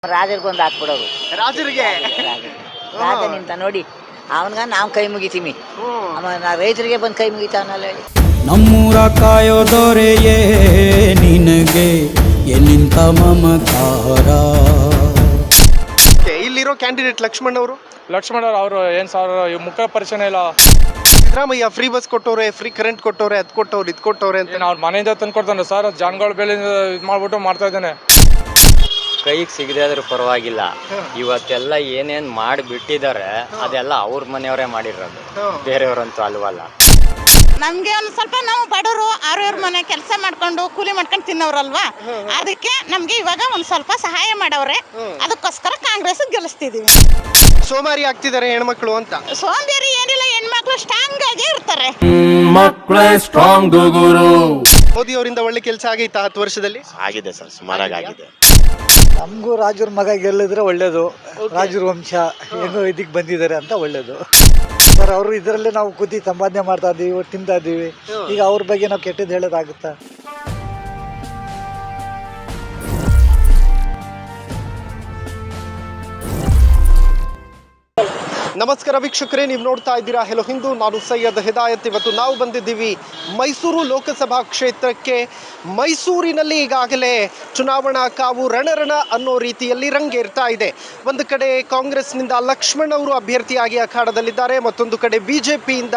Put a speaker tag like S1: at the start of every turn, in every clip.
S1: ರಾಜರಿಗೊಂದು ಹಾಕ್ಬಿಡೋರು.
S2: ರಾಜರಿಗೆ
S1: ರಾಜ ನಿಂತ ನೋಡಿ ಅವನ್ಗ ನಾವು ಕೈ ಮುಗಿತೀವಿ. ರೈತರಿಗೆ ಬಂದು ಕೈ ಮುಗಿತಾವನಲ್ಲ ಹೇಳಿ.
S3: ನಮ್ಮೂರ ಕಾಯೋದೊರೆಯೇ ನಿನಗೆ ಎನ್ನಿಂತ ಮಮಕಾರ.
S2: ಇಲ್ಲಿರೋ ಕ್ಯಾಂಡಿಡೇಟ್ ಲಕ್ಷ್ಮಣ್ ಅವರು
S4: ಏನು ಸರ್ ಮುಖ ಪರಿಚಯ ಇಲ್ಲ.
S2: ಸಿದ್ದರಾಮಯ್ಯ ಫ್ರೀ ಬಸ್ ಕೊಟ್ಟವ್ರೆ, ಫ್ರೀ ಕರೆಂಟ್ ಕೊಟ್ಟವ್ರೆ, ಅದ್ ಕೊಟ್ಟವ್ರೆ, ಇದ್ ಕೊಟ್ಟವ್ರೆ ಅಂತ
S4: ಅವ್ರ ಮನೆಯಿಂದ ತಂದು ಕೊಡ್ತಾನೆ ಸರ್. ಜಾನ್ಗಳ ಬೆಲೆ ಇದು ಮಾಡ್ಬಿಟ್ಟು ಮಾಡ್ತಾ ಇದ್ದಾನೆ.
S5: ಕೈಗೆ ಸಿಗದೆ ಆದ್ರೂ ಪರವಾಗಿಲ್ಲ. ಇವತ್ತೆಲ್ಲ ಏನೇನ್ ಮಾಡಿಬಿಟ್ಟಿದ್ದಾರೆ ಅದೆಲ್ಲ ಅವ್ರ ಮನೆಯವರೇ ಮಾಡಿರೋದು, ಬೇರೆಯವ್ರಂತೂ ಅಲ್ವಲ್ಲ.
S6: ನಮ್ಗೆ ಒಂದು ಸ್ವಲ್ಪ ನಾವು ಬಡವರು ಅವ್ರವ್ರ ಮನೆ ಕೆಲಸ ಮಾಡ್ಕೊಂಡು ಕೂಲಿ ಮಾಡ್ಕೊಂಡು ತಿನ್ನೋರಲ್ವಾ, ಅದಕ್ಕೆ ನಮ್ಗೆ ಇವಾಗ ಒಂದ್ ಸ್ವಲ್ಪ ಸಹಾಯ ಮಾಡವ್ರೆ. ಅದಕ್ಕೋಸ್ಕರ ಕಾಂಗ್ರೆಸ್ ಗೆಲ್ಲಿಸ್ತಿದೀವಿ.
S2: ಸೋಮಾರಿ ಆಗ್ತಿದ್ದಾರೆ ಹೆಣ್ಮಕ್ಳು ಅಂತ.
S6: ಸೋಂಬೇರಿ ಏನಿಲ್ಲ, ಹೆಣ್ಮಕ್ಳು ಸ್ಟ್ರಾಂಗ್ ಆಗಿ ಇರ್ತಾರೆ.
S3: ಮಕ್ಕಳೇ ಸ್ಟ್ರಾಂಗ್ ಗುರು.
S2: ಮೋದಿ ಅವರಿಂದ ಒಳ್ಳೆ ಕೆಲಸ ಆಗೈತಾ 10 ವರ್ಷದಲ್ಲಿ?
S7: ಆಗಿದೆ ಸರ್, ಸುಮಾರಾಗಿ ಆಗಿದೆ.
S8: ನಮಗೂ ರಾಜರ ಮಗ ಗೆಲ್ಲಿದ್ರೆ ಒಳ್ಳೇದು. ರಾಜರ ವಂಶ ಹೆಂಗೋ ಇದಕ್ಕೆ ಬಂದಿದ್ದಾರೆ ಅಂತ ಒಳ್ಳೇದು ಸರ್. ಅವರು ಇದರಲ್ಲೇ ನಾವು ಕೂತಿ ಸಂಪಾದನೆ ಮಾಡ್ತಾ ಇದ್ದೀವಿ, ತಿಂತಾ ಇದ್ದೀವಿ. ಈಗ ಅವ್ರ ಬಗ್ಗೆ ನಾವು ಕೆಟ್ಟದ್ದು ಹೇಳೋದಾಗುತ್ತಾ?
S2: ನಮಸ್ಕಾರ ವೀಕ್ಷಕರೇ, ನೀವು ನೋಡ್ತಾ ಇದ್ದೀರಾ ಹೆಲೋ ಹಿಂದೂ. ನಾನು ಸೈಯದ್ ಹಿದಾಯತ್. ಇವತ್ತು ನಾವು ಬಂದಿದ್ದೀವಿ ಮೈಸೂರು ಲೋಕಸಭಾ ಕ್ಷೇತ್ರಕ್ಕೆ. ಮೈಸೂರಿನಲ್ಲಿ ಈಗಾಗಲೇ ಚುನಾವಣಾ ಕಾವು ರಣರಣ ಅನ್ನೋ ರೀತಿಯಲ್ಲಿ ರಂಗೇರ್ತಾ ಇದೆ. ಒಂದು ಕಡೆ ಕಾಂಗ್ರೆಸ್ನಿಂದ ಲಕ್ಷ್ಮಣ್ ಅವರು ಅಭ್ಯರ್ಥಿಯಾಗಿ ಅಖಾಡದಲ್ಲಿದ್ದಾರೆ, ಮತ್ತೊಂದು ಕಡೆ BJPಯಿಂದ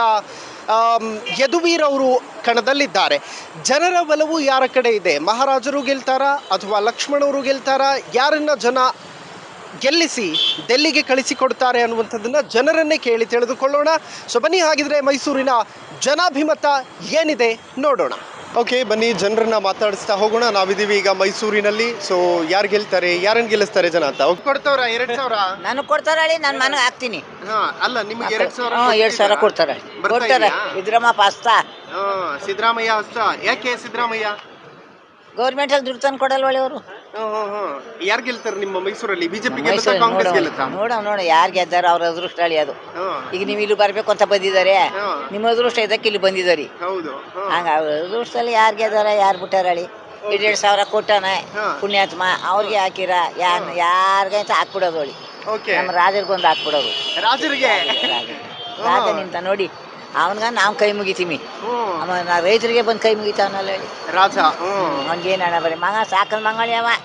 S2: ಯದುವೀರ್ ಅವರು ಕಣದಲ್ಲಿದ್ದಾರೆ. ಜನರ ಒಲವು ಯಾರ ಕಡೆ ಇದೆ? ಮಹಾರಾಜರು ಗೆಲ್ತಾರಾ ಅಥವಾ ಲಕ್ಷ್ಮಣ್ ಅವರು ಗೆಲ್ತಾರಾ? ಯಾರನ್ನ ಜನ ಗೆಲ್ಲಿಸಿ ಡೆಲ್ಲಿಗೆ ಕಳಿಸಿಕೊಡ್ತಾರೆ ಅನ್ನುವಂಥದ್ದನ್ನು ಜನರನ್ನೇ ಕೇಳಿ ತಿಳಿದುಕೊಳ್ಳೋಣ. ಸೊ ಬನ್ನಿ, ಹಾಗಿದ್ರೆ ಮೈಸೂರಿನ ಜನಾಭಿಮತ ಏನಿದೆ ನೋಡೋಣ. ಓಕೆ, ಬನ್ನಿ ಜನರನ್ನ ಮಾತಾಡಿಸ್ತಾ ಹೋಗೋಣ. ನಾವಿದ್ದೀವಿ ಈಗ ಮೈಸೂರಿನಲ್ಲಿ. ಸೊ ಯಾರು ಗೆಲ್ತಾರೆ, ಯಾರನ್ನ ಗೆಲ್ಲಿಸ್ತಾರೆ ಜನ ಅಂತ? ಕೊಡ್ತಾವ್ರ 2,000?
S1: ನನಗೆ ಕೊಡ್ತಾರ ಹೇಳಿ, ನಾನು ಮನೆಗೆ ಹಾಕ್ತೀನಿ.
S2: ಅಲ್ಲ, ನಿಮಗೆ 2,000?
S1: 2,000 ಕೊಡ್ತಾರೆ. ಇದ್ರಮ್ಮ ಪಾಸ್ತಾ
S2: ಸಿದ್ದರಾಮಯ್ಯ ಹಸ್ತ. ಯಾಕೆ ಸಿದ್ದರಾಮಯ್ಯ?
S1: ಗೌರ್ಮೆಂಟ್ ಅಲ್ಲಿ ದುಡ್ಡು ತಂದು ಕೊಡಲ್ವ ಅವರು?
S2: ಯಾರು ಗೆಲ್ತಾರೆ ನಿಮ್ಮ ಮೈಸೂರಲ್ಲಿ? ಬಿಜೆಪಿ ಗೆಲ್ಲುತ್ತಾ, ಕಾಂಗ್ರೆಸ್ ಗೆಲ್ಲುತ್ತಾ?
S1: ನೋಡ ಯಾರು ಗೆದ್ದಾರ ಅವ್ರ ಅದೃಷ್ಟ ಹೇಳಿ ಅದು. ಈಗ ನೀವು ಇಲ್ಲಿ ಬರ್ಬೇಕು ಅಂತ ಬಂದಿದ್ದಾರೆ, ನಿಮ್ಮ ಅದೃಷ್ಟ ಇದಕ್ಕೆ ಇಲ್ಲಿ ಬಂದಿದ್ದಾರೆ.
S2: ಹೌದು.
S1: ಹಂಗ ಅವ್ರ ಅದೃಷ್ಟದಲ್ಲಿ ಯಾರು ಗೆದ್ದಾರ, ಯಾರು ಬಿಟ್ಟಾರ ಹೇಳಿ? 2,000 ಕೊಟ್ಟಾನೆ ಪುಣ್ಯಾತ್ಮ, ಅವ್ರಿಗೆ ಹಾಕಿರ ಯಾರಿಗೆ ಅಂತ ಹಾಕ್ಬಿಡೋದು ಹೇಳಿ. ನಮ್ಮ ರಾಜರಿಗೊಂದು ಹಾಕ್ಬಿಡೋದು.
S2: ರಾಜರಿಗೆ
S1: ರಾಜ ನಿಂತ ನೋಡಿ ಅವನ್ಗ ನಾವು ಕೈ ಮುಗಿತೀವಿ. ರೈತರಿಗೆ ಬಂದು ಕೈ ಮುಗಿತಾವನಲ್ಲ ಹೇಳಿ.
S2: ರಾಜ
S1: ಅವ್ನಿಗೇನು ಹಣ ಬರೀ ಮಗ ಸಾಕದ ಮಂಗಳಿ ಅವ.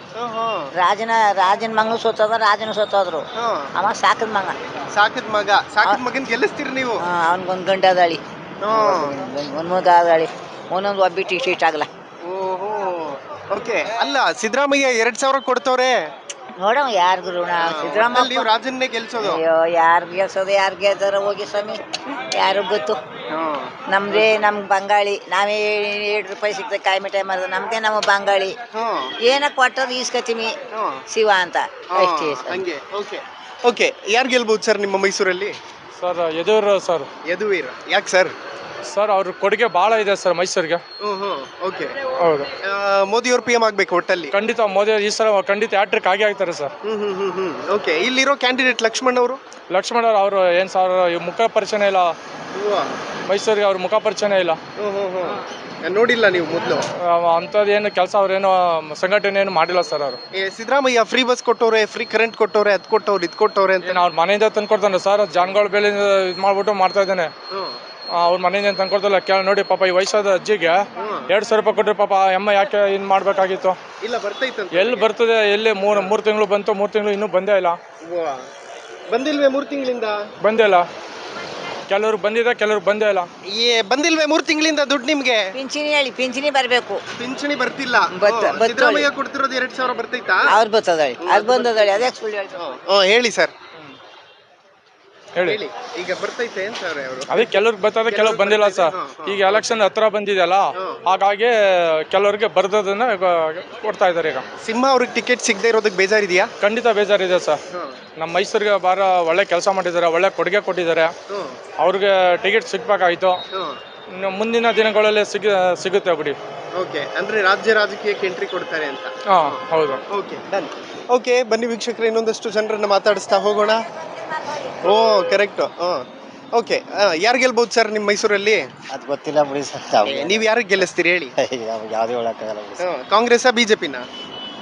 S1: ರಾಜನ ಮಗನು ಸೋತದ, ರಾಜನು ಸೋತೋದ್ರು. ಅವ ಸಾಕದ ಮಗ.
S2: ಸಾಕದ ಮಗನ್ ಗೆಲ್ಲಿಸ್ತೀರಿ ನೀವು?
S1: ಅವನ್ಗೊಂದು ಗಂಡ ಅದಾಳಿ, ಒಂದ್ ಮಗ ಅದಾಳಿ, ಒಂದೊಂದು ಒಬ್ಬಿಟ್ಟು ಇಷ್ಟ ಆಗಲ್ಲ.
S2: ಓಕೆ, ಅಲ್ಲ ಸಿದ್ದರಾಮಯ್ಯ 2,000 ಕೊಡ್ತವ್ರೆ.
S1: ನೋಡವ ಯಾರಿಗೂ ಋಣ. ಸಿದ್ದರಾಮಯ್ಯ
S2: ರಾಜನ್ನೇ ಗೆಲ್ಸೋದು.
S1: ಅಯ್ಯೋ, ಯಾರು ಗೆಲ್ಸೋದು, ಯಾರು ಗೆಲ್ತಾರ ಹೋಗಿ ಸ್ವಾಮಿ, ಯಾರು ಗೊತ್ತು. ನಮ್ದೇ ನಮ್ಗೆ ಬಂಗಾಳಿ, ನಾವೇ 7 ರೂಪಾಯಿ ಸಿಗ್ತದೆ ಕಾಯಿ ಮಿಠಾಯಿ ಮಾರದ, ನಮ್ದೇ ನಮ್ಮ ಬಂಗಾಳಿ. ಏನಕ್ಕೆ ಕೊಟ್ಟದ್ದು ಈಸ್ಕತೀವಿ ಶಿವ ಅಂತ ಅಷ್ಟೇ.
S2: ಓಕೆ, ಯಾರು ಗೆಲ್ಬಹುದು ಸರ್ ನಿಮ್ಮ ಮೈಸೂರಲ್ಲಿ?
S4: ಸರ್
S2: ಯದುವೀರ್. ಯಾಕೆ ಸರ್?
S4: ಸರ್ ಅವ್ರ ಕೊಡುಗೆ ಭಾಳ ಇದೆ ಸರ್ ಮೈಸೂರಿಗೆ.
S2: ಓಕೆ,
S4: ಹೌದು.
S2: ಮೋದಿ ಅವರು PM ಆಗ್ಬೇಕು ಒಟ್ಟಲ್ಲಿ?
S4: ಖಂಡಿತ ಮೋದಿ ಈ ಸಲ ಖಂಡಿತ ಹ್ಯಾಟ್ರಿಕ್ ಆಗಿ ಆಗ್ತಾರೆ ಸರ್.
S2: ಓಕೆ, ಇಲ್ಲಿರೋ ಕ್ಯಾಂಡಿಡೇಟ್ ಲಕ್ಷ್ಮಣ್ ಅವರು
S4: ಏನು ಸರ್ ಮುಖ ಪರಿಚಯ ಇಲ್ಲ. ಮೈಸೂರಿಗೆ ಅವ್ರ ಮುಖ ಪರಿಚಯ ಇಲ್ಲ.
S2: ನೋಡಿಲ್ಲ ನೀವು ಮೊದಲು?
S4: ಅಂಥದ್ದು ಏನು ಕೆಲಸ ಅವ್ರೇನು ಸಂಘಟನೆ ಏನು ಮಾಡಿಲ್ಲ ಸರ್ ಅವರು.
S2: ಸಿದ್ದರಾಮಯ್ಯ ಫ್ರೀ ಬಸ್ ಕೊಟ್ಟವ್ರೆ, ಫ್ರೀ ಕರೆಂಟ್ ಕೊಟ್ಟವ್ರೆ, ಅದ್ ಕೊಟ್ಟವ್ರೆ, ಇದ್ ಕೊಟ್ಟವ್ರೆ ಅಂತ
S4: ಅವ್ರ ಮನೆಯಿಂದ ತಂದು ಕೊಡ್ತಾನೆ ಸರ್. ಜಾನ್ಗಳ ಬೆಲೆ ಇದು ಮಾಡ್ಬಿಟ್ಟು ಮಾಡ್ತಾ ಇದ್ದಾನೆ. ಅವ್ರ ಮನೆಯಿಂದ ತಂದು ಕೊಡ್ತಲ್ಲ. ನೋಡಿ ಪಾಪ, ಈ ವಯಸ್ಸಾದ ಅಜ್ಜಿಗೆ 2,000 ರೂಪಾಯಿ ಕೊಟ್ಟರೆ ಪಾಪ ಅಮ್ಮ ಯಾಕೆ ಇನ್ ಮಾಡ್ಬೇಕಾಗಿತ್ತು?
S2: ಇಲ್ಲ, ಬರ್ತೈತೆ.
S4: ಎಲ್ಲಿ ಬರ್ತದೆ? ಎಲ್ಲಿ 3 ತಿಂಗಳು ಬಂತು, 3 ತಿಂಗಳು ಇನ್ನೂ ಬಂದೇ ಇಲ್ಲ.
S2: ಬಂದಿಲ್ವೇ 3 ತಿಂಗಳಿಂದ?
S4: ಬಂದೇ ಇಲ್ಲ. ಕೆಲವ್ರು ಬಂದಿದೆ, ಕೆಲವ್ರು ಬಂದೇ ಇಲ್ಲ.
S2: ಬಂದಿಲ್ವೇ 3 ತಿಂಗಳಿಂದ ದುಡ್ಡು ನಿಮ್ಗೆ?
S1: ಪಿಂಚಣಿ ಹೇಳಿ, ಪಿಂಚಣಿ ಬರಬೇಕು.
S2: ಪಿಂಚಣಿ ಬರ್ತಿಲ್ಲ. ಸಿದ್ದರಾಮಯ್ಯ ಕೊಡ್ತಿರೋದು 2,000 ಬರ್ತೈತಾ?
S1: ಅವ್ರು ಬರ್ತದಳಿ, ಅದು ಬಂದದಳಿ, ಅದೇ ಸುಳ್ಳು ಹೇಳ್ತಾರೆ.
S2: ಹೇಳಿ ಸರ್,
S4: ಹೇಳಿ.
S2: ಈಗ ಬರ್ತೈತೆ ಅಂತ ಅವರು?
S4: ಅದೇ ಕೆಲವ್ರಿಗೆ ಬರ್ತದೆ, ಕೆಲವ್ರು ಬಂದಿಲ್ಲ ಸರ್. ಈಗ ಎಲೆಕ್ಷನ್ ಹತ್ರ ಬಂದಿದೆಯಲ್ಲ, ಹಾಗಾಗಿ ಕೆಲವ್ರಿಗೆ ಬರ್ದದನ್ನ ಕೊಡ್ತಾ ಇದ್ದಾರೆ. ಈಗ
S2: ಸಿಂಹ ಅವ್ರಿಗೆ ಟಿಕೆಟ್ ಸಿಗದೆ ಇರೋದಕ್ಕೆ ಬೇಜಾರಿದೆಯಾ?
S4: ಖಂಡಿತ ಬೇಜಾರಿದೆ ಸರ್. ನಮ್ಮ ಮೈಸೂರಿಗೆ ಒಳ್ಳೆ ಕೆಲಸ ಮಾಡಿದ್ದಾರೆ, ಒಳ್ಳೆ ಕೊಡುಗೆ ಕೊಟ್ಟಿದ್ದಾರೆ. ಅವ್ರಿಗೆ ಟಿಕೆಟ್ ಸಿಗ್ಬೇಕಾಯ್ತು. ಮುಂದಿನ ದಿನಗಳಲ್ಲಿ ಸಿಗುತ್ತೆ ಬಿಡಿ.
S2: ಓಕೆ, ಅಂದ್ರೆ ರಾಜಕೀಯಕ್ಕೆ ಎಂಟ್ರಿ ಕೊಡ್ತಾರೆ ಅಂತ?
S4: ಹೌದು.
S2: ಓಕೆ, ಬನ್ನಿ ವೀಕ್ಷಕರು, ಇನ್ನೊಂದಷ್ಟು ಜನರನ್ನ ಮಾತಾಡಿಸ್ತಾ ಹೋಗೋಣ. ಕರೆಕ್ಟ್. ಓಕೆ, ಯಾರು ಗೆಲ್ಬಹುದು ಸರ್ ನಿಮ್ಮ ಮೈಸೂರಲ್ಲಿ?
S7: ಅದು ಗೊತ್ತಿಲ್ಲ ಬಿಡಿ ಸರ್.
S2: ನೀವು ಯಾರಿಗೆ ಗೆಲ್ಲಿಸ್ತೀರಿ ಹೇಳಿ?
S7: ಯಾವ್ದು ಹೇಳಕ್ಕಾಗಲ್ಲ ಬಿಡಿ.
S2: ಕಾಂಗ್ರೆಸ್ BJPನ?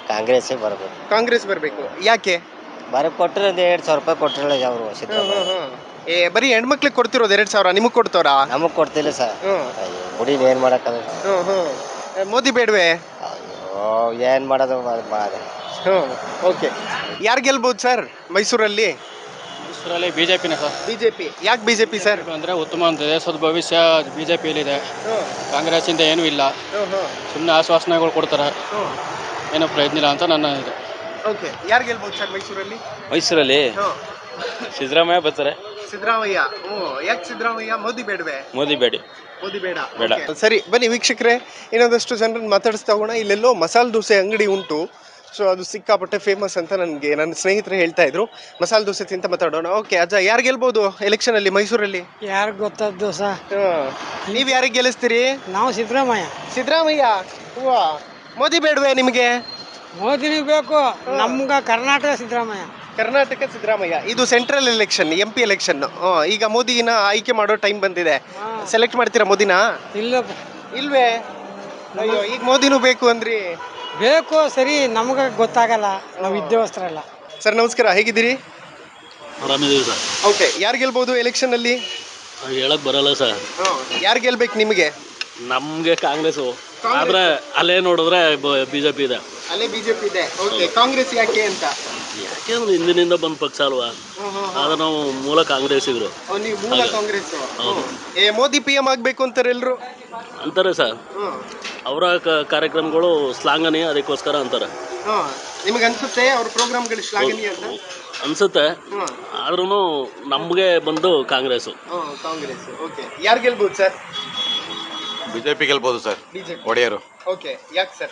S7: ಕಾಂಗ್ರೆಸ್ಸೇ ಬರಬೇಕು.
S2: ಕಾಂಗ್ರೆಸ್ ಬರಬೇಕು. ಯಾಕೆ?
S7: ಬರೀ ಕೊಟ್ಟರೆ ಒಂದು 2,000 ರೂಪಾಯಿ ಕೊಟ್ಟಿರಲ್ಲ ಅವರು ಸಿದ್ದರಾಮಯ್ಯ.
S2: ಬರೀ ಹೆಣ್ಮಕ್ಳಿಗೆ ಕೊಡ್ತಿರೋದು 2,000, ನಿಮಗೆ ಕೊಡ್ತಾರಾ?
S7: ನಮಗೆ ಕೊಡ್ತಿಲ್ಲ ಸರ್. ಹುಡಿನ ಏನು ಮಾಡೋಕ್ಕಲ್ಲ.
S2: ಮೋದಿ ಬೇಡವೆ?
S7: ಅಯ್ಯೋ ಏನು ಮಾಡೋದು ಮಾಡಿ.
S2: ಓಕೆ, ಯಾರು ಗೆಲ್ಬೋದು ಸರ್ ಮೈಸೂರಲ್ಲಿ?
S9: ಮೈಸೂರಲ್ಲಿ ಬಿಜೆಪಿನೇ ಸರ್.
S2: ಬಿಜೆಪಿ. ಯಾಕೆ ಬಿಜೆಪಿ ಸರ್?
S9: ಅಂದರೆ ಉತ್ತಮ ದೇಶದ ಭವಿಷ್ಯ ಬಿಜೆಪಿಯಲ್ಲಿದೆ. ಕಾಂಗ್ರೆಸ್ಸಿಂದ ಏನೂ ಇಲ್ಲ, ಸುಮ್ಮನೆ ಆಶ್ವಾಸನೆಗಳು ಕೊಡ್ತಾರೆ, ಏನೂ ಪ್ರಯತ್ನ ಇಲ್ಲ ಅಂತ ನನ್ನ ಇದು.
S2: ಓಕೆ, ಯಾರು ಗೆಲ್ಬೋದು ಸರ್ ಮೈಸೂರಲ್ಲಿ?
S9: ಮೈಸೂರಲ್ಲಿ ಸಿದ್ದರಾಮಯ್ಯ ಬರ್ತಾರೆ.
S2: ಸಿದ್ದರಾಮಯ್ಯ. ಯಾಕೆ ಸಿದ್ದರಾಮಯ್ಯ? ಮೋದಿ ಬೇಡವೆ?
S9: ಮೋದಿ ಬೇಡಿ.
S2: ಮೋದಿ ಬೇಡ.
S9: ಬೇಡ.
S2: ಸರಿ, ಬನ್ನಿ ವೀಕ್ಷಕರೇ, ಇನ್ನೊಂದಷ್ಟು ಜನರನ್ನು ಮಾತಾಡಿಸ್ತಾ ಹೋಗೋಣ. ಇಲ್ಲೆಲ್ಲೋ ಮಸಾಲೆ ದೋಸೆ ಅಂಗಡಿ ಉಂಟು. ಸೊ ಅದು ಸಿಕ್ಕಾಪಟ್ಟೆ ಫೇಮಸ್ ಅಂತ ನನಗೆ ನನ್ನ ಸ್ನೇಹಿತರು ಹೇಳ್ತಾ ಇದ್ರು. ಮಸಾಲೆ ದೋಸೆ ತಿಂತ ಮಾತಾಡೋಣ. ಓಕೆ ಅಜ್ಜ, ಯಾರು ಗೆಲ್ಬೋದು ಎಲೆಕ್ಷನ್ ಅಲ್ಲಿ ಮೈಸೂರಲ್ಲಿ?
S8: ಯಾರು ಗೊತ್ತದ್ದು ಸಹ.
S2: ನೀವ್ ಯಾರಿಗೆ ಗೆಲ್ಲಿಸ್ತೀರಿ?
S8: ನಾವು ಸಿದ್ದರಾಮಯ್ಯ.
S2: ಸಿದ್ದರಾಮಯ್ಯ. ಮೋದಿ ಬೇಡವೆ ನಿಮಗೆ?
S8: ಮೋದಿನಿಗೆ ಬೇಕು, ನಮ್ಗ ಕರ್ನಾಟಕ ಸಿದ್ದರಾಮಯ್ಯ.
S2: ಕರ್ನಾಟಕ ಸಿದ್ದರಾಮಯ್ಯ. ಇದು ಸೆಂಟ್ರಲ್ ಎಲೆಕ್ಷನ್, MP ಎಲೆಕ್ಷನ್. ಈಗ ಮೋದಿನ ಆಯ್ಕೆ ಮಾಡೋ ಟೈಮ್ ಬಂದಿದೆ. ಸೆಲೆಕ್ಟ್ ಮಾಡ್ತೀರಾ ಮೋದಿನ? ಇಲ್ವೇ? ಅಯ್ಯೋ, ಈಗ ಮೋದಿನೂ ಬೇಕು ಅಂದ್ರಿ.
S8: ಬೇಕು, ಸರಿ, ನಮ್ಗೆ ಗೊತ್ತಾಗಲ್ಲ, ನಾವು ವಿದ್ಯಾವಸ್ತ್ರಲ್ಲ.
S2: ಸರ್ ನಮಸ್ಕಾರ, ಹೇಗಿದ್ದೀರಿ?
S9: ಆರಾಮಿದ್ದೀವಿ ಸರ್.
S2: ಓಕೆ, ಯಾರು ಗೆಲ್ಬೋದು ಎಲೆಕ್ಷನ್ ಅಲ್ಲಿ?
S9: ಹೇಳಕ್ ಬರಲ್ಲ ಸರ್.
S2: ಯಾರು ಗೆಲ್ಬೇಕು ನಿಮಗೆ?
S9: ನಮಗೆ ಕಾಂಗ್ರೆಸ್ಸು, ಆದ್ರೆ ಅಲ್ಲೇ ನೋಡಿದ್ರೆ ಬಿಜೆಪಿ ಇದೆ.
S2: ಅಲ್ಲೇ ಬಿಜೆಪಿ ಇದೆ. ಓಕೆ, ಕಾಂಗ್ರೆಸ್ ಯಾಕೆ ಅಂತ?
S9: ಯಾಕೆಂದ್ರೆ ಹಿಂದಿನಿಂದ ಬಂದ ಪಕ್ಷ ಅಲ್ವಾ, ಆದ್ರೆ ನಾವು ಮೂಲ ಕಾಂಗ್ರೆಸ್ಸಿಗರು.
S2: ನೀವು ಮೂಲ ಕಾಂಗ್ರೆಸ್. ಮೋದಿ PM ಆಗ್ಬೇಕು ಅಂತಾರೆ ಎಲ್ರು
S9: ಅಂತಾರೆ ಸರ್. ಅವರ ಕಾರ್ಯಕ್ರಮಗಳು ಶ್ಲಾಘನೀಯ, ಅದಕ್ಕೋಸ್ಕರ ಅಂತಾರೆ.
S2: ನಿಮಗೆ ಅನ್ಸುತ್ತೆ ಅವ್ರ ಪ್ರೋಗ್ರಾಮ್ಗಳು ಶ್ಲಾಘನೀಯ ಅಂತ?
S9: ಅನ್ಸುತ್ತೆ, ಆದ್ರೂ ನಮಗೆ ಬಂದು ಕಾಂಗ್ರೆಸ್ಸು.
S2: ಕಾಂಗ್ರೆಸ್. ಓಕೆ, ಯಾರು ಗೆಲ್ಬೋದು ಸರ್?
S10: ಬಿಜೆಪಿ ಗೆಲ್ಬೋದು ಸರ್.
S2: ಬಿಜೆಪಿ.
S10: ಒಡೆಯರು.
S2: ಓಕೆ, ಯಾಕೆ ಸರ್?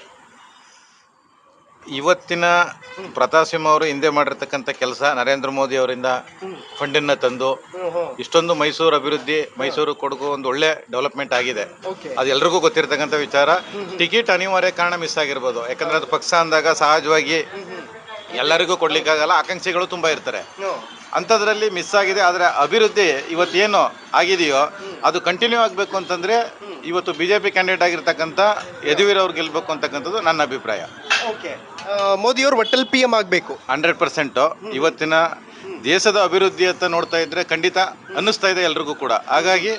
S10: ಇವತ್ತಿನ ಪ್ರತಾಪ್ ಸಿಂಹ ಅವರು ಹಿಂದೆ ಮಾಡಿರ್ತಕ್ಕಂಥ ಕೆಲಸ, ನರೇಂದ್ರ ಮೋದಿ ಅವರಿಂದ ಫಂಡನ್ನ ತಂದು ಇಷ್ಟೊಂದು ಮೈಸೂರು ಅಭಿವೃದ್ಧಿ, ಮೈಸೂರು ಕೊಡಗು ಒಂದು ಒಳ್ಳೆ ಡೆವಲಪ್ಮೆಂಟ್ ಆಗಿದೆ. ಅದು ಎಲ್ರಿಗೂ ಗೊತ್ತಿರ್ತಕ್ಕಂಥ ವಿಚಾರ. ಟಿಕೆಟ್ ಅನಿವಾರ್ಯ ಕಾರಣ ಮಿಸ್ ಆಗಿರ್ಬೋದು, ಯಾಕಂದ್ರೆ ಅದು ಪಕ್ಷ ಅಂದಾಗ ಸಹಜವಾಗಿ ಎಲ್ಲರಿಗೂ ಕೊಡ್ಲಿಕ್ಕಾಗಲ್ಲ, ಆಕಾಂಕ್ಷಿಗಳು ತುಂಬ ಇರ್ತಾರೆ. ಅಂಥದ್ರಲ್ಲಿ ಮಿಸ್ ಆಗಿದೆ. ಆದರೆ ಅಭಿವೃದ್ಧಿ ಇವತ್ತೇನು ಆಗಿದೆಯೋ ಅದು ಕಂಟಿನ್ಯೂ ಆಗಬೇಕು ಅಂತಂದರೆ ಇವತ್ತು BJP ಕ್ಯಾಂಡಿಡೇಟ್ ಆಗಿರ್ತಕ್ಕಂಥ ಯದುವೀರ್ ಅವ್ರು ಗೆಲ್ಲಬೇಕು ಅಂತಕ್ಕಂಥದ್ದು ನನ್ನ ಅಭಿಪ್ರಾಯ.
S2: ಓಕೆ, ಮೋದಿಯವರು ಒಟ್ಟಲ್ಲಿ PM ಆಗಬೇಕು
S10: 100%. ಇವತ್ತಿನ ದೇಶದ ಅಭಿವೃದ್ಧಿ ಅಂತ ನೋಡ್ತಾ ಇದ್ರೆ ಖಂಡಿತ ಅನ್ನಿಸ್ತಾ ಇದೆ ಎಲ್ರಿಗೂ ಕೂಡ. ಹಾಗಾಗಿ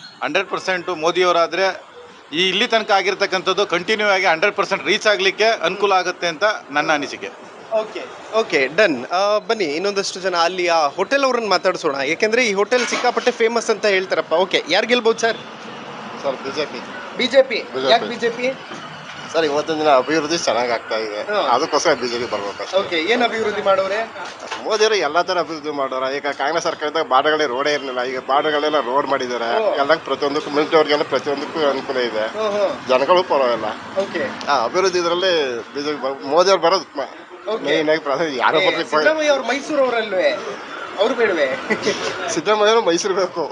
S10: 100% ಮೋದಿಯವರಾದರೆ ಈ ಇಲ್ಲಿ ತನಕ ಆಗಿರ್ತಕ್ಕಂಥದ್ದು ಕಂಟಿನ್ಯೂ ಆಗಿ 100% ರೀಚ್ ಆಗಲಿಕ್ಕೆ ಅನುಕೂಲ ಆಗುತ್ತೆ ಅಂತ ನನ್ನ ಅನಿಸಿಕೆ.
S2: Okay okay, done. ಬನ್ನಿ, ಇನ್ನೊಂದಷ್ಟು ಜನ ಅಲ್ಲಿ ಆ ಹೋಟೆಲ್ ಅವ್ರನ್ನ ಮಾತಾಡಿಸೋಣ, ಯಾಕೆಂದ್ರೆ ಈ ಹೋಟೆಲ್ ಸಿಕ್ಕಾಪಟ್ಟೆ ಫೇಮಸ್ ಅಂತ ಹೇಳ್ತಾರಪ್ಪ. ಓಕೆ, ಯಾರು ಗೆಲ್ಬೋದು ಸರ್?
S7: Sir BJP.
S2: ಬಿಜೆಪಿ. ಯಾಕೆ ಬಿಜೆಪಿ
S7: ಸರ್? ಇವತ್ತಿನ ದಿನ ಅಭಿವೃದ್ಧಿ ಚೆನ್ನಾಗಿ ಆಗ್ತಾ ಇದೆ, ಅದಕ್ಕೋಸ್ಕರ ಬಿಜೆಪಿ ಬರ್ಬೇಕು.
S2: ಓಕೆ, ಏನು ಅಭಿವೃದ್ಧಿ ಮಾಡೋರೆ?
S7: ಮೋದಿಯವರು ಎಲ್ಲಾ ತರ ಅಭಿವೃದ್ಧಿ ಮಾಡೋರ. ಈಗ ಕಾಂಗ್ರೆಸ್ ಸರ್ಕಾರದಾಗ ಬಾರ್ಡರ್ಗಳೇ ರೋಡೇ ಇರಲಿಲ್ಲ, ಈಗ ಬಾರ್ಡರ್ಗಳೆಲ್ಲ ರೋಡ್ ಮಾಡಿದ್ದಾರೆ. ಎಲ್ಲ ಪ್ರತಿಯೊಂದಕ್ಕೂ ಮಿಲಿಟರಿಗೆಲ್ಲ ಪ್ರತಿಯೊಂದಕ್ಕೂ ಅನುಕೂಲ ಇದೆ, ಜನಗಳು ಪರವಾಗಿಲ್ಲ.
S2: ಓಕೆ,
S7: ಅಭಿವೃದ್ಧಿ ಇದರಲ್ಲಿ ಬಿಜೆಪಿ ಮೋದಿಯವ್ರು ಬರೋದು ಮೇನ್ ಆಗಿ. ಯಾರೋ
S2: ಸಿದ್ದರಾಮಯ್ಯ ಅವ್ರು ಮೈಸೂರು ಅವರಲ್ವೇ? ಅವ್ರು ಬೇಡವೆ?
S7: ಸಿದ್ದರಾಮಯ್ಯ ಮೈಸೂರು ಬೇಕು,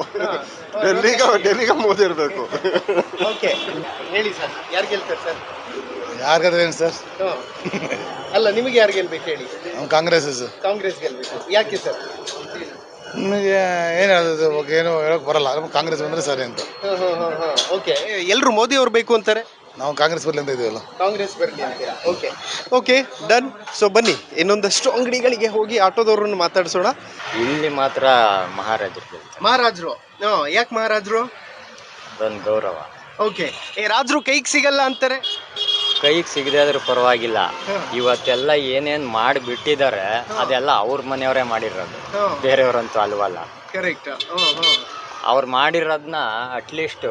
S7: ಡೆಲ್ಲಿಗೆ ಮೋದಿ ಇರಬೇಕು.
S2: ಓಕೆ, ಹೇಳಿ ಸರ್, ಯಾರು ಗೆಲ್ತಾರೆ ಸರ್?
S8: ಯಾರಿಗಾದ್ರೇನು ಸರ್?
S2: ಅಲ್ಲ, ನಿಮಗೆ ಯಾರು ಗೆಲ್ಬೇಕು ಹೇಳಿ?
S8: ಕಾಂಗ್ರೆಸ್.
S2: ಕಾಂಗ್ರೆಸ್ ಗೆಲ್ಬೇಕು. ಯಾಕೆ ಸರ್?
S8: ನಿಮಗೆ ಏನು ಹೇಳೋದು, ಏನು ಹೇಳಕ್ ಬರಲ್ಲ, ಕಾಂಗ್ರೆಸ್ ಬಂದ್ರೆ ಸರಿ ಅಂತ.
S2: ಓಕೆ, ಎಲ್ಲರೂ ಮೋದಿ ಅವ್ರು ಬೇಕು ಅಂತಾರೆ,
S8: ನಾವು ಕಾಂಗ್ರೆಸ್ ಬರಲಿ ಅಂತ ಇದೀವಲ್ಲ.
S2: ಕಾಂಗ್ರೆಸ್ ಬರಲಿ ಅಂತೀರಾ? Okay okay, done. ಸೊ ಬನ್ನಿ, ಇನ್ನೊಂದಷ್ಟು ಅಂಗಡಿಗಳಿಗೆ ಹೋಗಿ ಆಟೋದವ್ರನ್ನ ಮಾತಾಡ್ಸೋಣ.
S5: ಇಲ್ಲಿ ಮಾತ್ರ ಮಹಾರಾಜರು.
S2: ಮಹಾರಾಜರು? ಯಾಕೆ ಮಹಾರಾಜರು?
S5: ಅದೊಂದು ಗೌರವ.
S2: ಓಕೆ, ರಾಜರು ಕೈಗೆ ಸಿಗಲ್ಲ ಅಂತಾರೆ.
S5: ಕೈಗೆ ಸಿಗದೆ ಆದ್ರೂ ಪರವಾಗಿಲ್ಲ. ಇವತ್ತೆಲ್ಲ ಏನೇನ್ ಮಾಡಿಬಿಟ್ಟಿದ್ದಾರೆ ಅದೆಲ್ಲ ಅವ್ರ ಮನೆಯವರೇ ಮಾಡಿರೋದು, ಬೇರೆಯವ್ರಂತೂ ಅಲ್ವಲ್ಲ.
S2: ಕರೆಕ್ಟ್.
S5: ಅವ್ರು ಮಾಡಿರೋದನ್ನ ಅಟ್ಲೀಸ್ಟ್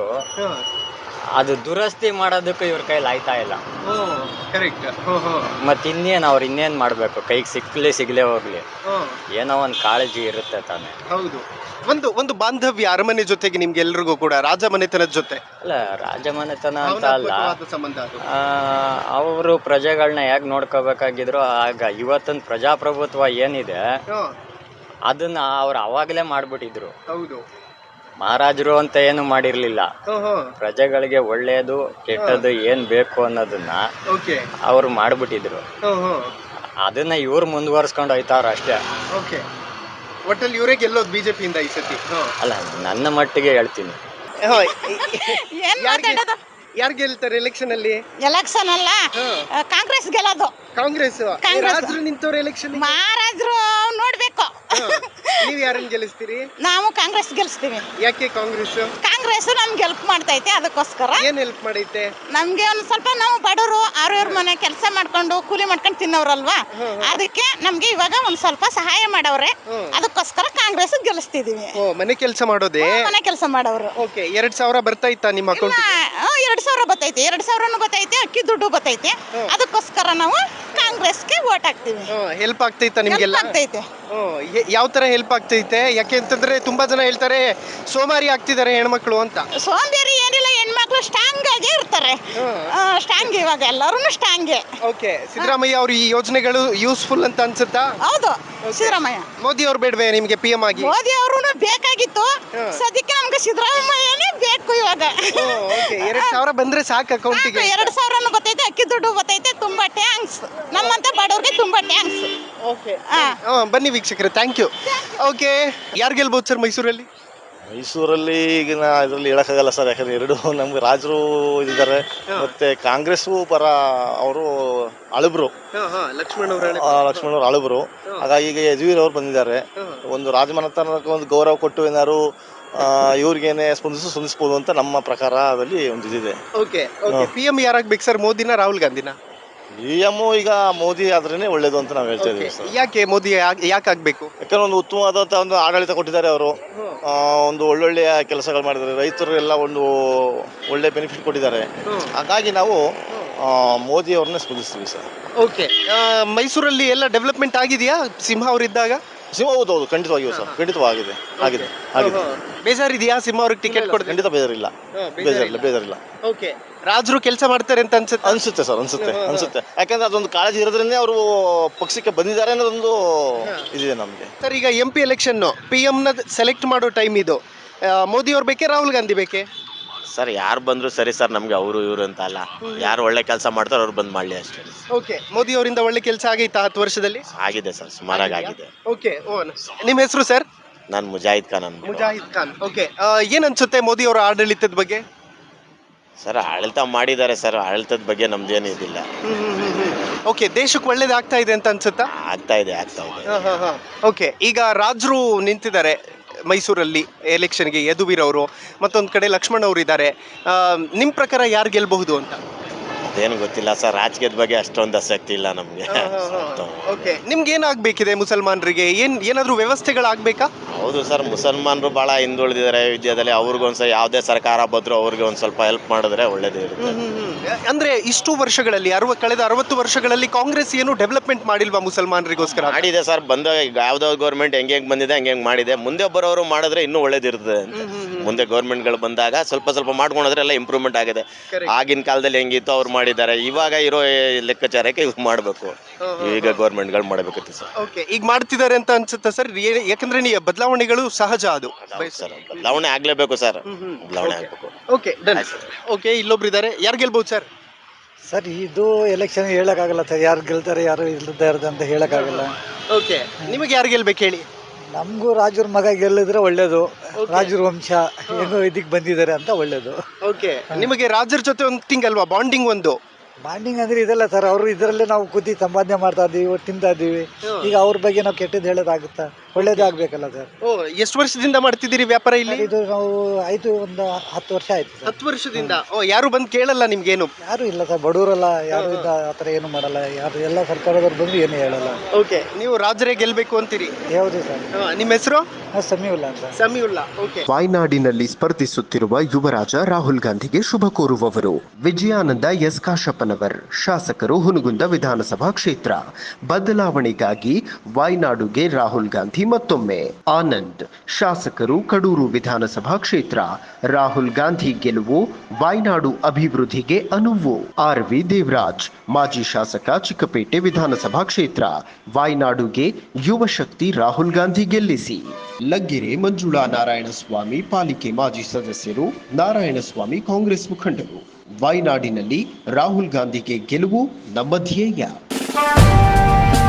S5: ಅದು ದುರಸ್ತಿ ಮಾಡೋದಕ್ಕೂ ಇವ್ರ ಕೈಲಿ ಆಯ್ತಾ ಇಲ್ಲ.
S2: ಕರೆಕ್ಟ್.
S5: ಮತ್ತೆ ಇನ್ನೇನ್ ಮಾಡ್ಬೇಕು? ಕೈಗೆ ಸಿಗ್ಲೇ ಹೋಗ್ಲಿ, ಏನೋ ಒಂದು ಕಾಳಜಿ ಇರುತ್ತೆ ತಾನೆ.
S2: ಹೌದು. ಒಂದು ಬಾಂಧವ್ಯ ಅರಮನೆ ಜೊತೆಗೆ ನಿಮ್ಗೆ ಎಲ್ರಿಗೂ ಕೂಡ ರಾಜಮನೆತನದ ಜೊತೆ
S5: ಅಲ್ಲ, ರಾಜಮನೆತನ ಅಂತ ಅಲ್ಲ,
S2: ಸಂಬಂಧ.
S5: ಅವರು ಪ್ರಜೆಗಳನ್ನ ಹೇಗ್ ನೋಡ್ಕೋಬೇಕಾಗಿದ್ರು ಆಗ. ಇವತ್ತಿನ ಪ್ರಜಾಪ್ರಭುತ್ವ ಏನಿದೆ ಅದನ್ನ ಅವ್ರು ಅವಾಗಲೇ ಮಾಡ್ಬಿಟ್ಟಿದ್ರು.
S2: ಹೌದು.
S5: ಮಹಾರಾಜರು ಅಂತ ಏನು ಮಾಡಿರ್ಲಿಲ್ಲ, ಪ್ರಜೆಗಳಿಗೆ ಒಳ್ಳೇದು ಕೆಟ್ಟದ್ದು ಏನ್ ಬೇಕು ಅನ್ನೋದನ್ನ ಅವ್ರು ಮಾಡ್ಬಿಟ್ಟಿದ್ರು. ಅದನ್ನ ಇವ್ರು ಮುಂದುವರ್ಸ್ಕೊಂಡು ಹೋಯ್ತಾರ ಅಷ್ಟೇ.
S2: ಒಟ್ಟಲ್ಲಿ ಇವರೇ ಗೆಲ್ಲೋದು ಬಿಜೆಪಿಯಿಂದ ಈ ಸತಿ.
S5: ಅಲ್ಲ, ನನ್ನ ಮಟ್ಟಿಗೆ ಹೇಳ್ತೀನಿ.
S2: ಯಾರು ಗೆಲ್ತಾರೆ ಎಲೆಕ್ಷನ್ ಅಲ್ಲಿ?
S6: ಎಲೆಕ್ಷನ್ ಅಲ್ಲ, ಕಾಂಗ್ರೆಸ್ ಗೆಲ್ಲೋದು.
S2: ಕಾಂಗ್ರೆಸ್.
S6: ಕಾಂಗ್ರೆಸ್.
S2: ರಾಜರು ನಿಂತವ್ರು ಎಲೆಕ್ಷನ್.
S6: ಮಹಾರಾಜರು ನೋಡ್ಬೇಕು.
S2: ನೀವ್ ಯಾರನ್ನ ಗೆಲ್ಲಿಸ್ತೀರಿ?
S6: ನಾವು ಕಾಂಗ್ರೆಸ್ ಗೆಲ್ಲಿಸ್ತೀವಿ.
S2: ಯಾಕೆ ಕಾಂಗ್ರೆಸ್?
S6: ಕಾಂಗ್ರೆಸ್ ನಮ್ಗೆ ಹೆಲ್ಪ್ ಮಾಡ್ತೈತೆ, ಅದಕ್ಕೋಸ್ಕರ.
S2: ಏನ್ ಹೆಲ್ಪ್ ಮಾಡೈತೆ?
S6: ನಮ್ಗೆ ಒಂದ್ ಸ್ವಲ್ಪ, ನಾವು ಬಡವರು, ಅವ್ರವ್ರ ಮನೆ ಕೆಲಸ ಮಾಡ್ಕೊಂಡು ಕೂಲಿ ಮಾಡ್ಕೊಂಡು ತಿನ್ನೋರಲ್ವಾ, ಅದಕ್ಕೆ ನಮ್ಗೆ ಇವಾಗ ಒಂದ್ ಸ್ವಲ್ಪ ಸಹಾಯ ಮಾಡವ್ರೆ, ಅದಕ್ಕೋಸ್ಕರ ಕಾಂಗ್ರೆಸ್ ಗೆಲ್ಲಿಸ್ತಿದೀವಿ.
S2: ಮನೆ ಕೆಲಸ ಮಾಡೋದೇ?
S6: ಮನೆ ಕೆಲಸ ಮಾಡವ್ರು.
S2: ಓಕೆ. 2,000 ಬರ್ತಾ ಇತ್ತಾ ನಿಮ್ಮ ಅಕೌಂಟ್?
S6: 2,000 ಬರ್ತೈತೆ, 2,000 ಬರ್ತೈತೆ, ಅಕ್ಕಿ ದುಡ್ಡು ಬರ್ತೈತೆ, ಅದಕ್ಕೋಸ್ಕರ ನಾವು ಕಾಂಗ್ರೆಸ್ಗೆ ವೋಟ್ ಹಾಕ್ತಿವಿ.
S2: ಹೆಲ್ಪ್ ಆಗ್ತೈತಾ ನಿಮ್ಗೆಲ್ಲ?
S6: ಆಗ್ತೈತೆ.
S2: ಯಾವ ತರ ಹೆಲ್ಪ್ ಆಗ್ತೈತೆ? ಯಾಕೆ ಅಂತಂದ್ರೆ ತುಂಬಾ ಜನ ಹೇಳ್ತಾರೆ ಸೋಮಾರಿ ಆಗ್ತಿದ್ದಾರೆ ಹೆಣ್ಮಕ್ಳು ಅಂತ.
S6: ಸೋಂಬೇರಿ ಏನಿಲ್ಲ, ಹೆಣ್ಮಕ್ಳು ಸ್ಟ್ರಾಂಗ್ ಆಗಿ ಇರ್ತಾರೆ. ಸ್ಟ್ರಾಂಗ್, ಇವಾಗ ಎಲ್ಲರೂ ಸ್ಟ್ರಾಂಗ್.
S2: ಓಕೆ. ಸಿದ್ದರಾಮಯ್ಯ ಅವ್ರ ಈ ಯೋಜನೆಗಳು ಯೂಸ್ಫುಲ್ ಅಂತ ಅನ್ಸುತ್ತಾ?
S6: ಹೌದು. ಸಿದ್ದರಾಮಯ್ಯ.
S2: ಮೋದಿ ಅವ್ರು ಬೇಡವೇ ನಿಮ್ಗೆ PM ಆಗಿ?
S6: ಮೋದಿ ಅವರು ಬೇಕಾಗಿತ್ತು, ಸದ್ಯಕ್ಕೆ ನಮ್ಗೆ ಸಿದ್ದರಾಮಯ್ಯನೇ ಬೇಕು ಇವಾಗ.
S2: 2,000 ಬಂದ್ರೆ ಸಾಕು ಅಕೌಂಟಿಗೆ?
S6: 2,000 ಬರ್ತೈತೆ, ಅಕ್ಕಿ ದುಡ್ಡು ಬರ್ತೈತೆ. ತುಂಬಾ ಟ್ಯಾಂಕ್ಸ್, ನಮ್ಮಂತ ಬಡವ್ರಿಗೆ ತುಂಬಾ ಟ್ಯಾಂಕ್ಸ್.
S2: ಓಕೆ. ಬನ್ನಿ ವೀಕ್ಷಕರೇ, ಥ್ಯಾಂಕ್ ಯು. ಓಕೆ. ಯಾರು ಗೆಲ್ಬಹುದು ಸರ್ ಮೈಸೂರಲ್ಲಿ?
S11: ಮೈಸೂರಲ್ಲಿ ಈಗಿನ ಇದರಲ್ಲಿ ಹೇಳೋಕ್ಕಾಗಲ್ಲ ಸರ್, ಯಾಕಂದರೆ ಎರಡು ನಮ್ಗೆ ರಾಜರು ಇದ್ದಾರೆ, ಮತ್ತೆ ಕಾಂಗ್ರೆಸ್ಸು ಪರ ಅವರು ಅಳುಬ್ರು,
S2: ಲಕ್ಷ್ಮಣ್
S11: ಅವ್ರು ಅಳುಬ್ರು. ಹಾಗಾಗಿ ಈಗ ಯದುವೀರ್ ಅವರು ಬಂದಿದ್ದಾರೆ, ಒಂದು ರಾಜಮನೆತನಕ್ಕೆ ಒಂದು ಗೌರವ ಕೊಟ್ಟು ಏನಾದ್ರು ಇವ್ರಿಗೇನೆ ಸ್ಪಂದಿಸ್ಬೋದು ಅಂತ ನಮ್ಮ ಪ್ರಕಾರ ಅದರಲ್ಲಿ ಒಂದು ಇದಿದೆ.
S2: ಓಕೆ. PM ಯಾರಾಗ್ಬೇಕು ಸರ್, ಮೋದಿನ ರಾಹುಲ್ ಗಾಂಧಿನ?
S11: PM ಈಗ ಮೋದಿ ಆದ್ರೇನೆ ಒಳ್ಳೇದು ಅಂತ ನಾವು ಹೇಳ್ತಾ ಇದೀವಿ ಸರ್.
S2: ಯಾಕೆ ಮೋದಿ ಯಾಕೆ ಆಗ್ಬೇಕು?
S11: ಯಾಕಂದ್ರೆ ಒಂದು ಉತ್ತಮವಾದಂಥ ಒಂದು ಆಡಳಿತ ಕೊಟ್ಟಿದ್ದಾರೆ ಅವರು, ಒಂದು ಒಳ್ಳೊಳ್ಳೆಯ ಕೆಲಸಗಳು ಮಾಡಿದ್ದಾರೆ, ರೈತರೆಲ್ಲ ಒಂದು ಒಳ್ಳೆ ಬೆನಿಫಿಟ್ ಕೊಟ್ಟಿದ್ದಾರೆ. ಹಾಗಾಗಿ ನಾವು ಮೋದಿ ಅವ್ರನ್ನ ಸ್ಪಂದಿಸ್ತೀವಿ ಸರ್.
S2: ಓಕೆ. ಮೈಸೂರಲ್ಲಿ ಎಲ್ಲ ಡೆವಲಪ್ಮೆಂಟ್ ಆಗಿದೆಯಾ ಸಿಂಹ ಅವರಿದ್ದಾಗ?
S11: ಸಿಂಹ ಹೌದು, ಖಂಡಿತವಾಗಿಯೂ ಸರ್, ಖಂಡಿತವಾಗಿದೆ, ಆಗಿದೆ.
S2: ಬೇಜಾರಿದೆಯಾ ಸಿಂಹ ಅವ್ರಿಗೆ ಟಿಕೆಟ್ ಕೊಡ್ತಾರೆ?
S11: ಖಂಡಿತ ಬೇಜಾರಿಲ್ಲ.
S2: ಓಕೆ. ರಾಜರು ಕೆಲಸ ಮಾಡ್ತಾರೆ ಅಂತ
S11: ಅನ್ಸುತ್ತೆ ಸರ್, ಅನ್ಸುತ್ತೆ. ಯಾಕಂದ್ರೆ ಅದೊಂದು ಕಾಳಜಿ ಇರೋದ್ರಿಂದ ಅವರು ಪಕ್ಷಕ್ಕೆ ಬಂದಿದ್ದಾರೆ ಅನ್ನೋದೊಂದು ಇದಿದೆ ನಮಗೆ
S2: ಸರ್. ಈಗ MP ಎಲೆಕ್ಷನ್, PM ನ ಸೆಲೆಕ್ಟ್ ಮಾಡೋ ಟೈಮ್ ಇದು. ಮೋದಿ ಅವ್ರು ಬೇಕೇ, ರಾಹುಲ್ ಗಾಂಧಿ ಬೇಕೇ?
S12: ಸರ್ ಯಾರು ಬಂದ್ರು ಸರಿ ಸರ್, ನಮ್ಗೆ ಅವರು ಇವರು ಅಂತ ಅಲ್ಲ, ಯಾರು ಒಳ್ಳೆ ಕೆಲಸ ಮಾಡ್ತಾರೋ ಅವ್ರು ಬಂದ್ ಮಾಡ್ಲಿ ಅಷ್ಟೇ.
S2: ಓಕೆ. ಮೋದಿ ಅವರಿಂದ ಒಳ್ಳೆ ಕೆಲಸ ಆಗೈತಾ 10 ವರ್ಷದಲ್ಲಿ?
S12: ಆಗಿದೆ ಸರ್, ಸುಮಾರಾಗಿ ಆಗಿದೆ.
S2: ಓಕೆ. ನಿಮ್ಮ ಹೆಸರು ಸರ್?
S12: ನಾನು ಮುಜಾಹಿದ್ ಖಾನ್.
S2: ಮುಜಾಹಿದ್ ಖಾನ್. ಓಕೆ. ಏನ್ ಅನ್ಸುತ್ತೆ ಮೋದಿ ಅವರ ಆಡಳಿತದ ಬಗ್ಗೆ?
S12: ಸರ್ ಆಡಳಿತ ಮಾಡಿದ್ದಾರೆ ಸರ್, ಆಡಳಿತದ ಬಗ್ಗೆ ನಮ್ದೇನು ಇದಿಲ್ಲ.
S2: ಓಕೆ. ದೇಶಕ್ಕೆ ಒಳ್ಳೇದಾಗ್ತಾ ಇದೆ ಅಂತ ಅನ್ಸುತ್ತಾ?
S12: ಆಗ್ತಾ ಇದೆ.
S2: ಓಕೆ. ಈಗ ರಾಜರು ನಿಂತಿದ್ದಾರೆ ಮೈಸೂರಲ್ಲಿ ಎಲೆಕ್ಷನ್ಗೆ, ಯದುವೀರ್ ಅವರು, ಮತ್ತೊಂದು ಕಡೆ ಲಕ್ಷ್ಮಣ್ ಅವರು ಇದ್ದಾರೆ. ನಿಮ್ಮ ಪ್ರಕಾರ ಯಾರು ಗೆಲ್ಬಹುದು ಅಂತ?
S12: ಅದೇನು ಗೊತ್ತಿಲ್ಲ ಸರ್, ರಾಜಕೀಯದ ಬಗ್ಗೆ ಅಷ್ಟೊಂದು ಆಸಕ್ತಿ ಇಲ್ಲ ನಮಗೆ.
S2: ಓಕೆ. ನಿಮ್ಗೆ ಏನಾಗಬೇಕಿದೆ ಮುಸಲ್ಮಾನರಿಗೆ? ಏನಾದರೂ ವ್ಯವಸ್ಥೆಗಳಾಗಬೇಕಾ?
S12: ಹೌದು ಸರ್, ಮುಸಲ್ಮಾನರು ಭಾಳ ಹಿಂದುಳಿದಿದ್ದಾರೆ ವಿದ್ಯಾದಲ್ಲಿ, ಅವ್ರಿಗೊಂದ್ಸಲ ಯಾವುದೇ ಸರ್ಕಾರ ಬಂದರೂ ಅವ್ರಿಗೆ ಒಂದು ಸ್ವಲ್ಪ ಹೆಲ್ಪ್ ಮಾಡಿದ್ರೆ ಒಳ್ಳೇದೇ ಇರುತ್ತೆ.
S2: ಅಂದ್ರೆ ಇಷ್ಟು ವರ್ಷಗಳಲ್ಲಿ, ಕಳೆದ 60 ವರ್ಷಗಳಲ್ಲಿ ಕಾಂಗ್ರೆಸ್ ಏನು ಡೆವಲಪ್ಮೆಂಟ್ ಮಾಡಿಲ್ವಾ ಮುಸಲ್ಮಾನರಿಗೋಸ್ಕರ?
S12: ಮಾಡಿದೆ ಸರ್, ಯಾವ್ದೋ ಗೌರ್ಮೆಂಟ್ ಹೆಂಗೆ ಬಂದಿದೆ ಹಂಗೆ ಮಾಡಿದೆ. ಮುಂದೆ ಬರೋರು ಮಾಡಿದ್ರೆ ಇನ್ನೂ ಒಳ್ಳೇದಿರ್ತದೆ ಅಂತ. ಮುಂದೆ ಗೌರ್ಮೆಂಟ್ಗಳು ಬಂದಾಗ ಸ್ವಲ್ಪ ಮಾಡ್ಕೊಂಡ್ರೆ ಎಲ್ಲ ಇಂಪ್ರೂವ್ಮೆಂಟ್ ಆಗಿದೆ. ಆಗಿನ ಕಾಲದಲ್ಲಿ ಹೆಂಗಿತ್ತು ಅವ್ರು ಮಾಡಿದ್ದಾರೆ, ಇವಾಗ ಇರೋ ಲೆಕ್ಕಾಚಾರಕ್ಕೆ ಇವ್ರು ಮಾಡಬೇಕು, ಈಗ ಗೌರ್ಮೆಂಟ್ಗಳು ಮಾಡಬೇಕಿತ್ತು ಸರ್.
S2: ಓಕೆ. ಈಗ ಮಾಡ್ತಿದ್ದಾರೆ ಅಂತ ಅನ್ಸುತ್ತಾ ಸರ್? ಯಾಕಂದ್ರೆ ಬದಲಾವಣೆಗಳು ಸಹಜ, ಅದು
S12: ಸರ್, ಬದಲಾವಣೆ ಆಗ್ಲೇಬೇಕು ಸರ್, ಬದಲಾವಣೆ ಆಗ್ಬೇಕು.
S2: ಓಕೆ. ಡನ್. ಓಕೆ. ಇಲ್ಲೊಬ್ರು ಇದ್ದಾರೆ, ಯಾರು ಗೆಲ್ಬಹುದು ಸರ್?
S8: ಸರ್ ಇದು ಎಲೆಕ್ಷನ್ ಹೇಳಕ್ಕಾಗಲ್ಲ ಸರ್, ಯಾರು ಗೆಲ್ತಾರೆ ಯಾರು ಇಲ್ದಾರ್ದು ಅಂತ ಹೇಳಕ್ಕಾಗಲ್ಲ.
S2: ಓಕೆ. ನಿಮಗೆ ಯಾರು ಗೆಲ್ಬೇಕು ಹೇಳಿ?
S8: ನಮಗೂ ರಾಜರ ಮಗ ಗೆಲ್ಲಿದ್ರೆ ಒಳ್ಳೇದು, ರಾಜರ ವಂಶ ಹೆಂಗೋ ಇದಕ್ಕೆ ಬಂದಿದ್ದಾರೆ ಅಂತ ಒಳ್ಳೇದು.
S2: ಓಕೆ. ನಿಮಗೆ ರಾಜರ ಜೊತೆ ಒಂದು ಥಿಂಗ್ ಅಲ್ವಾ, ಬಾಂಡಿಂಗ್? ಒಂದು
S8: ಬಾಂಡಿಂಗ್ ಅಂದ್ರೆ ಇದೆಲ್ಲ ಸರ್, ಅವರು ಇದರಲ್ಲೇ ನಾವು ಕೂತಿ ಸಂಪಾದನೆ ಮಾಡ್ತಾ ಇದ್ದೀವಿ, ತಿಂತಾ ಇದ್ದೀವಿ. ಈಗ ಅವ್ರ ಬಗ್ಗೆ ನಾವು ಕೆಟ್ಟದ್ದು ಹೇಳೋದಾಗುತ್ತಾ? ಒಳ್ಳೇದೇ ಆಗ್ಬೇಕಲ್ಲ ಸರ್.
S2: ಎಷ್ಟು ವರ್ಷದಿಂದ ಮಾಡ್ತಿದ್ದೀರಿ ವ್ಯಾಪಾರ ಇಲ್ಲಿ?
S8: ಇದು ನಾವು ಒಂದು 10 ವರ್ಷ ಆಯ್ತು.
S2: 10 ವರ್ಷದಿಂದ? ಯಾರು ಬಂದು ಕೇಳಲ್ಲ ನಿಮ್ಗೇನು?
S8: ಯಾರು ಇಲ್ಲ ಸರ್, ಬಡವರಲ್ಲ, ಯಾರು ಆ ಥರ ಏನು ಮಾಡಲ್ಲ, ಯಾರು ಎಲ್ಲ ಸರ್ಕಾರದವ್ರು ಬಂದು ಏನು ಹೇಳಲ್ಲ.
S2: ಓಕೆ. ನೀವು ರಾಜರೇ ಗೆಲ್ಬೇಕು ಅಂತೀರಿ?
S8: ಯಾವುದು ಸರ್?
S2: ನಿಮ್ಮ ಹೆಸರು?
S8: ಸಮೀವುಲ್ಲಾ ಅಂತ.
S2: ಸಮೀವುಲ್ಲಾ. ಓಕೆ.
S13: ವಾಯ್ನಾಡಿನಲ್ಲಿ ಸ್ಪರ್ಧಿಸುತ್ತಿರುವ ಯುವರಾಜ ರಾಹುಲ್ ಗಾಂಧಿಗೆ ಶುಭ ಕೋರುವವರು ವಿಜಯಾನಂದ ಎಸ್ ಕಾಶಪ್ಪನವರ್, ಶಾಸಕರು ಹುನಗುಂದ ವಿಧಾನಸಭಾ ಕ್ಷೇತ್ರ. ಬದಲಾವಣೆಗಾಗಿ ವಾಯ್ನಾಡುಗೆ ರಾಹುಲ್ ಗಾಂಧಿ ಮತ್ತೊಮ್ಮೆ. ಆನಂದ್, ಶಾಸಕರು ಕಡೂರು ವಿಧಾನಸಭಾ ಕ್ಷೇತ್ರ. ರಾಹುಲ್ ಗಾಂಧಿ ಗೆಲುವು ವಾಯ್ನಾಡು ಅಭಿವೃದ್ಧಿಗೆ ಅನುವು. RV ದೇವರಾಜ್, ಮಾಜಿ ಶಾಸಕ ಚಿಕ್ಕಪೇಟೆ ವಿಧಾನಸಭಾ ಕ್ಷೇತ್ರ. ವಾಯ್ನಾಡುಗೆ ಯುವ ಶಕ್ತಿ ರಾಹುಲ್ ಗಾಂಧಿ ಗೆಲ್ಲಿಸಿ. ಲಗ್ಗೆರೆ ಮಂಜುಳಾ ನಾರಾಯಣಸ್ವಾಮಿ, ಪಾಲಿಕೆ ಮಾಜಿ ಸದಸ್ಯರು. ನಾರಾಯಣಸ್ವಾಮಿ ಕಾಂಗ್ರೆಸ್ ಮುಖಂಡರು. ವಾಯ್ನಾಡಿನಲ್ಲಿ ರಾಹುಲ್ ಗಾಂಧಿಗೆ ಗೆಲುವು ನಮ್ಮ ಧ್ಯೇಯ.